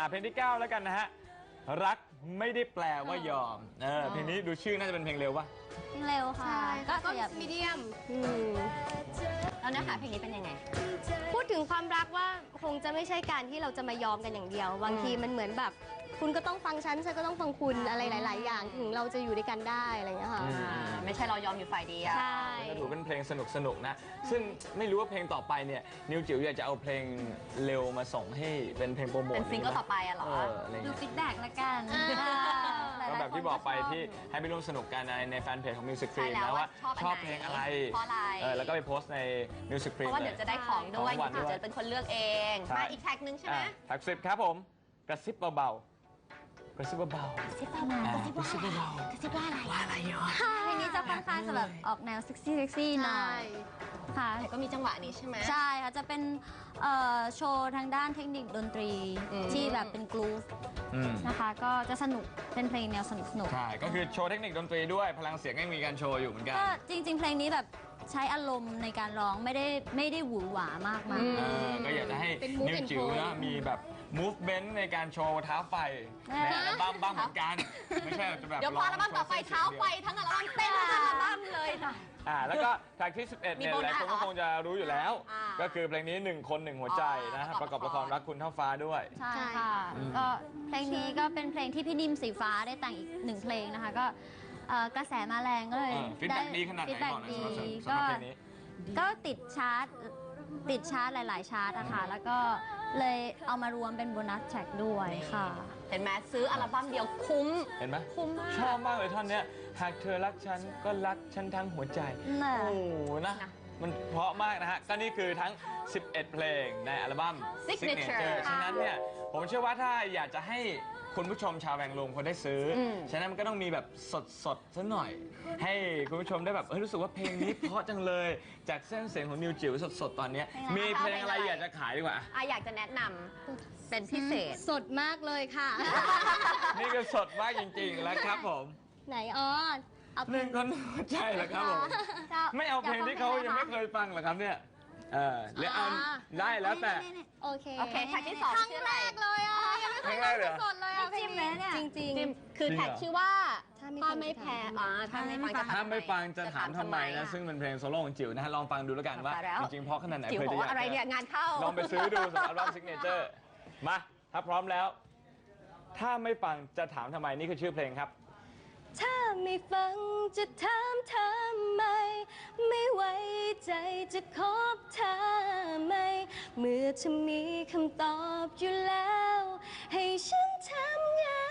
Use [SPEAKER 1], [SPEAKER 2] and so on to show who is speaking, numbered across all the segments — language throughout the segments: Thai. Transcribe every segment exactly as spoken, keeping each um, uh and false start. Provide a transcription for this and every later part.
[SPEAKER 1] อ่ะเพลงที่เก้าแล้วกันนะฮะรักไม่ได้แปลว่ายอมเออเพลงนี้ดูชื่อน่าจะเป็นเพลงเร็วป่ะ
[SPEAKER 2] เพลงเร็วค่ะก็ขยับ
[SPEAKER 3] มีเดียมแล้วเนื้อหาเพลงนี้เป็นยังไง
[SPEAKER 4] พูดถึงความรักว่าคงจะไม่ใช่การที่เราจะมายอมกันอย่างเดียวบางทีมันเหมือนแบบคุณก็ต้องฟังฉันฉันก็ต้องฟังคุณอะไรหลาย ๆ อย่างถึงเราจะอยู่ด้วยกันได้อะไรอย่างเงี้ยค่ะ
[SPEAKER 3] ไม่ใช่เรายอมอยู่ฝ่ายเดียว
[SPEAKER 4] ใช่
[SPEAKER 1] ก็ถือเป็นเพลงสนุกสนุกนะซึ่งไม่รู้ว่าเพลงต่อไปเนี่ยนิวจิ๋วอยากจะเอาเพลงเร็วมาส่งให้เป็นเพลงโปรโมท
[SPEAKER 3] เป็นซิงเกิลต่อไปอะเหรอ
[SPEAKER 2] ดูฟีดแบ็กละกัน
[SPEAKER 1] ก็แบบที่บอกไปที่ให้ไปร่วมสนุกกันในในแฟนเพจของ Music Cream นะว่าชอบเพลงอะไร
[SPEAKER 3] เพราะอะไร
[SPEAKER 1] แล้วก็ไปโพสต์ใน Music Cream
[SPEAKER 3] เพราะว่าเดี๋ยวจะได้ของด้วยนิวจิ๋วจะเป็นคนเลือกเองมาอีกแท็กนึงใช่ไหม
[SPEAKER 1] แท็กสิบครับผมกระซิบเบาๆกระซิบเบาๆ
[SPEAKER 2] กระซิบเบาๆกระซิบเบาๆกระซิบว่าอะไรว่าอะไรเยอะเพลงนี้จะค่อนข้างจะแบบออกแนวเซ็กซี่เซ็กซี่หน่อยค่ะ
[SPEAKER 3] แต่ก็มีจังหวะนี้ใช่ไหม
[SPEAKER 2] ใช่ค่ะจะเป็นโชว์ทางด้านเทคนิคดนตรีที่แบบเป็นกรูฟนะคะก็จะสนุกเป็นเพลงแนวสนุกสนุก
[SPEAKER 1] ใช่ก็คือโชว์เทคนิคดนตรีด้วยพลังเสียงก็มีการโชว์อยู่เหมือนกัน
[SPEAKER 2] ก็จริงๆเพลงนี้แบบใช้อารมณ์ในการร้องไม่ได้ไม่ได้หวือหวามากมาย
[SPEAKER 1] ก็อยากจะให้นิวจิ๋วนะมีแบบ movement ในการโชว์เท้าไฟในอัลบั้มบ้างเหมือนกันไม่ใช่จะแบบ
[SPEAKER 3] เดี๋ยวพออัลบั้มต่อไปเท้าไฟทั้งอัลบั้มเต้นทั้งอัลบั้มเลยค่ะ
[SPEAKER 1] อ่าแล้วก็แท็กที่สิบเอ็ดเนี่ยหลายคนก็คงจะรู้อยู่แล้วก็คือเพลงนี้หนึ่งคนหนึ่งหัวใจนะประกอบละครรักคุณเท่าฟ้าด้วย
[SPEAKER 2] ใช่ค่ะก็เพลงนี้ก็เป็นเพลงที่พี่นิ่มสีฟ้าได้แต่งอีกหนึ่งเพลงนะคะก็กระแสมาแรงก็เลย
[SPEAKER 1] ฟีดแบ็กดีขนาดไหนบอกหน่อยสำหรับเพลงนี้
[SPEAKER 2] ก็ติดชาร์ตติดชาร์ตหลายๆชาร์ตอะค่ะแล้วก็เลยเอามารวมเป็นโบนัสแทร็กด้วยค่ะ
[SPEAKER 3] เห็นไหมซื้ออัลบั้มเดียวคุ้ม
[SPEAKER 1] เห็นไหม
[SPEAKER 3] คุ้มมาก
[SPEAKER 1] ชอบมากเลยท่อนเนี้ยหากเธอรักฉันก็รักฉันทั้งหัวใจโอ้นะมันเพราะมากนะฮะก็นี่คือทั้งสิบเอ็ดเพลงในอัลบั้ม Signature ฉะนั้นเนี่ยผมเชื่อว่าถ้าอยากจะให้คุณผู้ชมชาวแวงลงคนได้ซื้อฉะนั้นมันก็ต้องมีแบบสดๆซะหน่อยให้คุณผู้ชมได้แบบเออรู้สึกว่าเพลงนี้เพราะจังเลยจากเส้นเสียงของนิวจิ๋วสดๆตอนนี้มีเพลงอะไรอยากจะขายดีกว่า
[SPEAKER 3] อ่ะอยากจะแนะนำเป็นพิเศษ
[SPEAKER 4] สดมากเลยค่ะ
[SPEAKER 1] นี่ก็สดมากจริงๆแล้วครับผม
[SPEAKER 4] ไหนอ๋อ
[SPEAKER 1] หนึ่งคนหัวใจเหรอครับผมไม่เอาเพลงที่เขายังไม่เคยฟังเหรอครับเนี่ยเออหรือเอาได้แล้วแต่
[SPEAKER 4] โอเค
[SPEAKER 3] โอเคแท็กที่สอง
[SPEAKER 4] ครั้งแรกเลยอ่ะยังไม่เคยฟังสดเลยอ่ะ
[SPEAKER 2] จริงเลยเนี่ย
[SPEAKER 4] จริง
[SPEAKER 3] ๆคือแท็กชื่อว่าถ้าไม่แพ้อ่าถ้าไม่ฟังจะ
[SPEAKER 1] ถ้าไม่ฟังจะถามทำไมนะซึ่งเป็นเพลงโซโล่ของจิ๋วนะฮะลองฟังดูแล้วกันว่าจริงๆเพราะขนาดไหน
[SPEAKER 3] เคยจะอยากอะไรเนี่ยงานเข้า
[SPEAKER 1] ลองไปซื้อดูสำหรับอัลบั้ม Signature มาถ้าพร้อมแล้วถ้าไม่ฟังจะถามทำไมนี่คือชื่อเพลงครับ
[SPEAKER 4] ถ้าไม่ฟังจะถามทำไมไม่ไว้ใจจะคบเธอไหมเมื่อเธอมีคำตอบอยู่แล้วให้ฉันทำยัง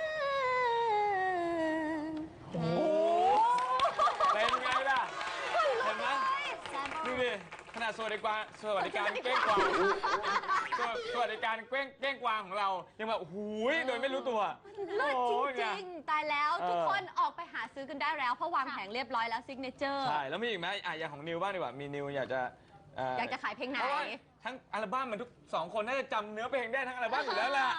[SPEAKER 1] โอ้เป็นไงล่ะเห็นไหมดูดิขนาดสวัสดิการสวัสดิการเก้งกวางสวัสดิการเก้งเก้งกวางของเรายังแบบหูยโดยไม่รู้ตัว
[SPEAKER 3] เลิศจริงๆตายแล้วทุกคนออกไปหาซื้อกันได้แล้วเพราะวางแผงเรียบร้อยแล้วซิกเนเจอร์
[SPEAKER 1] ใช่แล้วมีอีกไหมอ่ะอย่างของนิวบ้างดีกว่ามีนิวอยากจะ
[SPEAKER 3] อยากจะขายเพลงไหน
[SPEAKER 1] ทั้งอัลบั้มมันทุกสองคนน่าจะจำเนื้อเพลงได้ทั้งอัลบั้มอยู่แล้วล่ะ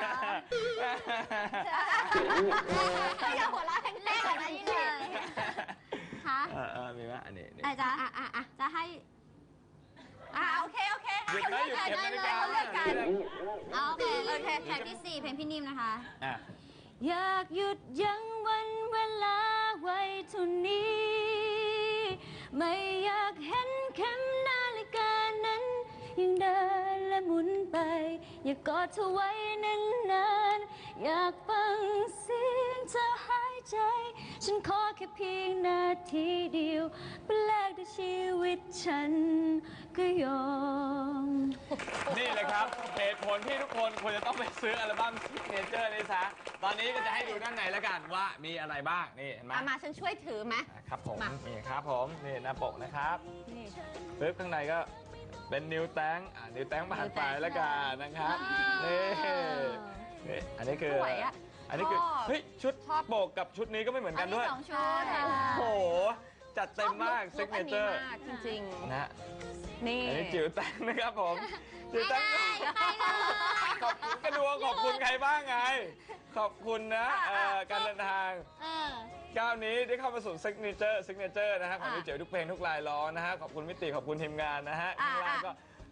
[SPEAKER 3] อย่าหัวเราะแรงๆอะไรนี่เลย
[SPEAKER 2] คะ
[SPEAKER 1] เออมีไหมอันนี้
[SPEAKER 2] อาจารย์จะให้
[SPEAKER 3] อ่าโอเคโอเค
[SPEAKER 1] หยุดนะหยุดเก็บนาฬิกา
[SPEAKER 3] เลือกกัน
[SPEAKER 2] โอเคโอเคแท็กที่สี่เพลงพี่นิ่มนะคะ
[SPEAKER 4] อยากหยุดยั้งวันเวลาไว้เท่านี้ไม่อยากเห็นเข็มนาฬิกานั้นยังเดินและหมุนไปอยากกอดเธอไว้นานๆอยากฟังเสียงเธอหายใจฉันขอแค่เพียงนาทีเดียวเป็นแลกด้วยชีวิตฉันก็ยอม
[SPEAKER 1] นี่เลยครับเหตุผลที่ทุกคนควรจะต้องไปซื้ออัลบั้ม Signature นี่ซะตอนนี้ก็จะให้ดูด้านในแล้วกันว่ามีอะไรบ้างนี่เห็นไหม
[SPEAKER 3] มาฉันช่วยถือไหม
[SPEAKER 1] ครับผมนี่ครับผมนี่หน้าปกนะครับปึ๊บข้างในก็เป็นนิวแตงอ่านิวแตงผ่านไปแล้วกันนะครับนี่นี่อันนี้คืออันนี้คือเฮ้ยชุดโปกกับชุดนี้ก็ไม่เหมือนกันด้วย
[SPEAKER 2] สองชุด
[SPEAKER 1] โอ้โหจัดเต็มมากซิกเนเจอร์
[SPEAKER 3] จริงๆ
[SPEAKER 1] นะ
[SPEAKER 3] นี่
[SPEAKER 1] อันนี้จิ๋วแตงนะครับผมจิ๋วแตงขอบคุณกระดวงขอบคุณใครบ้างไงขอบคุณนะการเดินทางก้าวนี้ได้เข้ามาสู่ซิกเนเจอร์ซิกเนเจอร์นะฮะของจิ๋วทุกเพลงทุกลายล้อนะฮะขอบคุณมิติขอบคุณทีมงานนะฮะข้างล่างก็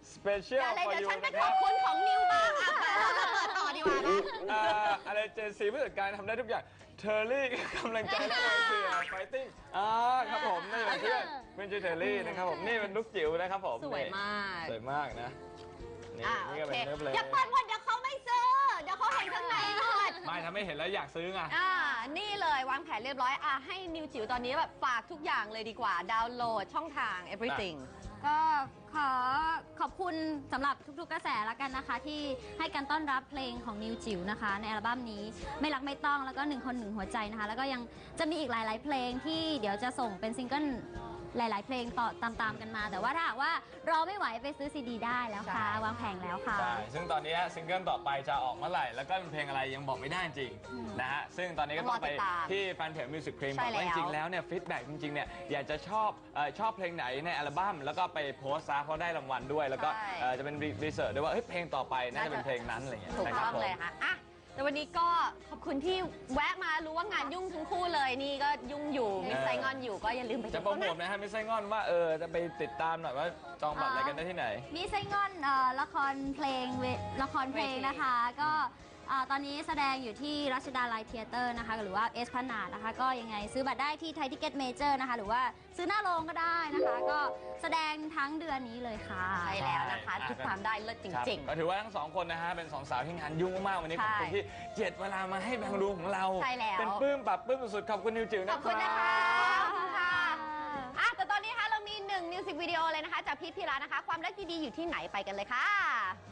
[SPEAKER 1] Special
[SPEAKER 3] เดี๋ยวเลย
[SPEAKER 1] for
[SPEAKER 3] เดี๋ยว
[SPEAKER 1] you
[SPEAKER 3] ฉันไป
[SPEAKER 1] นะค
[SPEAKER 3] ข
[SPEAKER 1] รั
[SPEAKER 3] อ
[SPEAKER 1] บบ
[SPEAKER 3] คุณของนิวบ้างอ่ะเปิดต่อดีกว่านะ
[SPEAKER 1] อ่าอะไรเจนซีผู้จัดการทำได้ทุกอย่างเทอร์รี่กำลังใจและแรงเชียร์ไฟติ้งอ่าครับผมนี่เป็นเพื่อนเพื่อนชื่อเทอร์รี่นะครับผมนี่เป็นลูกจิ๋วนะครับผม
[SPEAKER 3] สวยมาก
[SPEAKER 1] สวยมากนะนี่
[SPEAKER 3] อ่ะ
[SPEAKER 1] นี่ก็
[SPEAKER 3] โอ
[SPEAKER 1] เป็
[SPEAKER 3] เคน
[SPEAKER 1] เนื้อเพลง
[SPEAKER 3] อย่าเปิดหมดเดี๋ยวเขาไม่ซื้อ เดี๋ยวเขาเห็นข้างในหมด
[SPEAKER 1] ไม่ทำให้เห็นแล้วอยากซื้อไง
[SPEAKER 3] อ่า นี่เลยวางแผนเรียบร้อย อ่ะ ให้นิวจิ๋วตอนนี้แบบฝากทุกอย่างเลยดีกว่า ดาวน์โหลดช่องทาง everything
[SPEAKER 2] ก็ขอขอบคุณสำหรับทุกๆกระแสแล้วกันนะคะ ที่ให้การต้อนรับเพลงของนิวจิ๋วนะคะ ในอัลบั้มนี้ไม่รักไม่ต้องแล้วก็หนึ่งคนหนึ่งหัวใจนะคะ แล้วก็ยังจะมีอีกหลาย ๆ เพลงที่เดี๋ยวจะส่งเป็นซิงเกิลหลาย ๆ เพลงต่อตามๆกันมา แต่ว่าถ้าหากว่ารอไม่ไหวไปซื้อซีดีได้แล้วค่ะ
[SPEAKER 3] ใช่
[SPEAKER 2] วางแผงแล้วค่ะ
[SPEAKER 1] ใช่ ซึ่งตอนนี้ซิงเกิลต่อไปจะออกเมื่อไหร่ แล้วก็เป็นเพลงอะไรยังบอกไม่ได้จริงนะฮะ ซึ่งตอนนี้ก็ต้องไปที่แฟนเพจมิวสิกครีม
[SPEAKER 3] ใช่
[SPEAKER 1] บอกว่าจ
[SPEAKER 3] แล้ว
[SPEAKER 1] ริงๆแล้วเนี่ยฟีดแบ็กจริงๆเนี่ยอยากจะชอบเอ่อชอบเพลงไหนในอัลบั้มแล้วก็ไปโพสต์ซะเพราะได้รางวัลด้วย แล้วก็
[SPEAKER 3] ใช่
[SPEAKER 1] เอ่อจะเป็นรีเสิร์ชด้วยว่าเฮ้ยเพลงต่อไปน่าจะเป็นเพลงนั้นอะไรอย่างเงี้ย
[SPEAKER 3] ถูก
[SPEAKER 1] นะค
[SPEAKER 3] ต้
[SPEAKER 1] รั
[SPEAKER 3] อบ ง
[SPEAKER 1] ผม
[SPEAKER 3] เลยค่ะอ่ะ แต่วันนี้ก็ขอบคุณที่แวะมารู้ว่างานยุ่งทั้งคู่เลย นี่ก็ยุ่งอยู่มิสไซงอนอยู่ก็อย่าลืมไป
[SPEAKER 1] จะ
[SPEAKER 3] ดู
[SPEAKER 1] โปร
[SPEAKER 3] เขา
[SPEAKER 1] โม
[SPEAKER 3] นะ
[SPEAKER 1] ทนะฮะไม่ใช่งอนว่าเออจะไปติดตามหน่อยว่าจองบัตรอะไรกันได้ที่ไหน
[SPEAKER 2] มีไส้งอนเอ่อละครเพลงเวละครเพลงนะคะ ก็เอ่อตอนนี้แสดงอยู่ที่รัชดาลัยเทียเตอร์นะคะ หรือว่าเอสพนาดนะคะ ก็ยังไงซื้อบัตรได้ที่ไทยทิเก็ตเมเจอร์นะคะ หรือว่าซื้อหน้าโรงก็ได้นะคะ ก็แสดงทั้งเดือนนี้เลยค่ะ
[SPEAKER 3] ใช่แล้วนะคะ
[SPEAKER 1] ใช่
[SPEAKER 3] ติดตามได้เลิศจ
[SPEAKER 1] ครับ
[SPEAKER 3] ริง
[SPEAKER 1] ก็ถือว่าทั้งสองคนนะฮะเป็นสองสาวที่งานยุ่งมากๆวันนี้
[SPEAKER 3] ใช่
[SPEAKER 1] ขอบคุณที่เจ็ดเวลามาให้แบงค์รูของเรา
[SPEAKER 3] ใช่แล้ว
[SPEAKER 1] เป็นปลื้มปรับปลื้มสุดๆขอบคุณนิวจิ๋ว
[SPEAKER 3] ๆ
[SPEAKER 1] นะ
[SPEAKER 3] ขอบคุณนะคะ ขอบคุณค่ะอ่ะ แต่ตอนนี้นะคะเรามีหนึ่งมิวสิกวิดีโอเลยนะคะ จากพี่พีระนะคะ ความรักดีๆอยู่ที่ไหนไปกันเลยค่ะ